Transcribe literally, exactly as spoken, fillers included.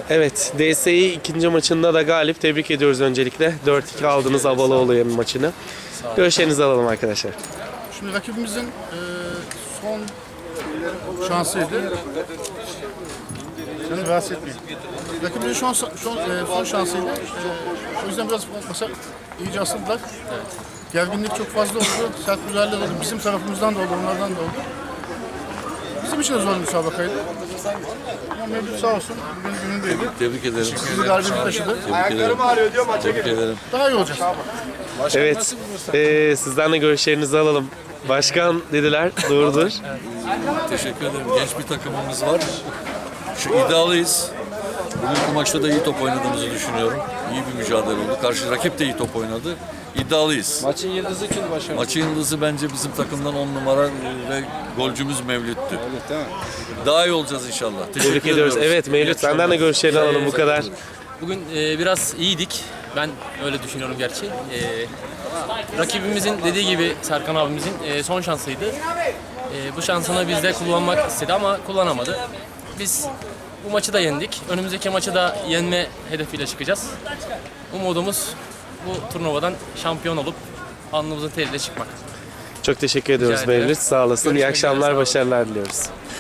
Evet, D S İ ikinci maçında da galip. Tebrik ediyoruz öncelikle. dört iki aldınız Avaloğlu'nun maçını. Görüşlerinizi alalım arkadaşlar. Şimdi rakibimizin e, son şansıydı. Seni rahatsız etmeyeyim. Rakibimizin son, son, e, son şansıydı. E, o yüzden biraz masa iyice asıldılar. Gerginlik çok fazla oldu. Sert müdahaleler oldu. Bizim tarafımızdan da oldu, onlardan da oldu. Bizim için de zor bir müsabakaydı. Ama Mevlüt sağ olsun, bugün günündeydi. Tebrik ederim. Bizi galibiyet taşıdı. Ayaklarım ağrıyor diyor maça Tebrik ederim. Daha iyi olacağız. Evet, e, sizden de görüşlerinizi alalım. Başkan dediler, doğrudur. Teşekkür ederim. Genç bir takımımız var. Şu iddialıyız. Bugünkü maçta da iyi top oynadığımızı düşünüyorum. İyi bir mücadele oldu. Karşı rakip de iyi top oynadı. İddialıyız. Maçın yıldızı kim başkanım? Maçın yıldızı bence bizim takımdan on numara ve golcümüz Mevlüt'tü. Evet, değil mi? Daha iyi olacağız inşallah. Teşekkür Tebrik ediyoruz. ediyoruz. Evet Mevlüt, senden de görüşlerini alalım bu kadar. Bugün e, biraz iyiydik. Ben öyle düşünüyorum gerçi. E, rakibimizin dediği gibi Serkan abimizin e, son şansıydı. E, bu şansını biz de kullanmak istedi ama kullanamadı. Biz bu maçı da yendik. Önümüzdeki maçı da yenme hedefiyle çıkacağız. Umudumuz bu turnuvadan şampiyon olup alnımızın teriyle çıkmak. Çok teşekkür ediyoruz Rica ederim. Mevlüt. Sağ olasın. İyi Görüşmek üzere, akşamlar, sağ olun. başarılar diliyoruz.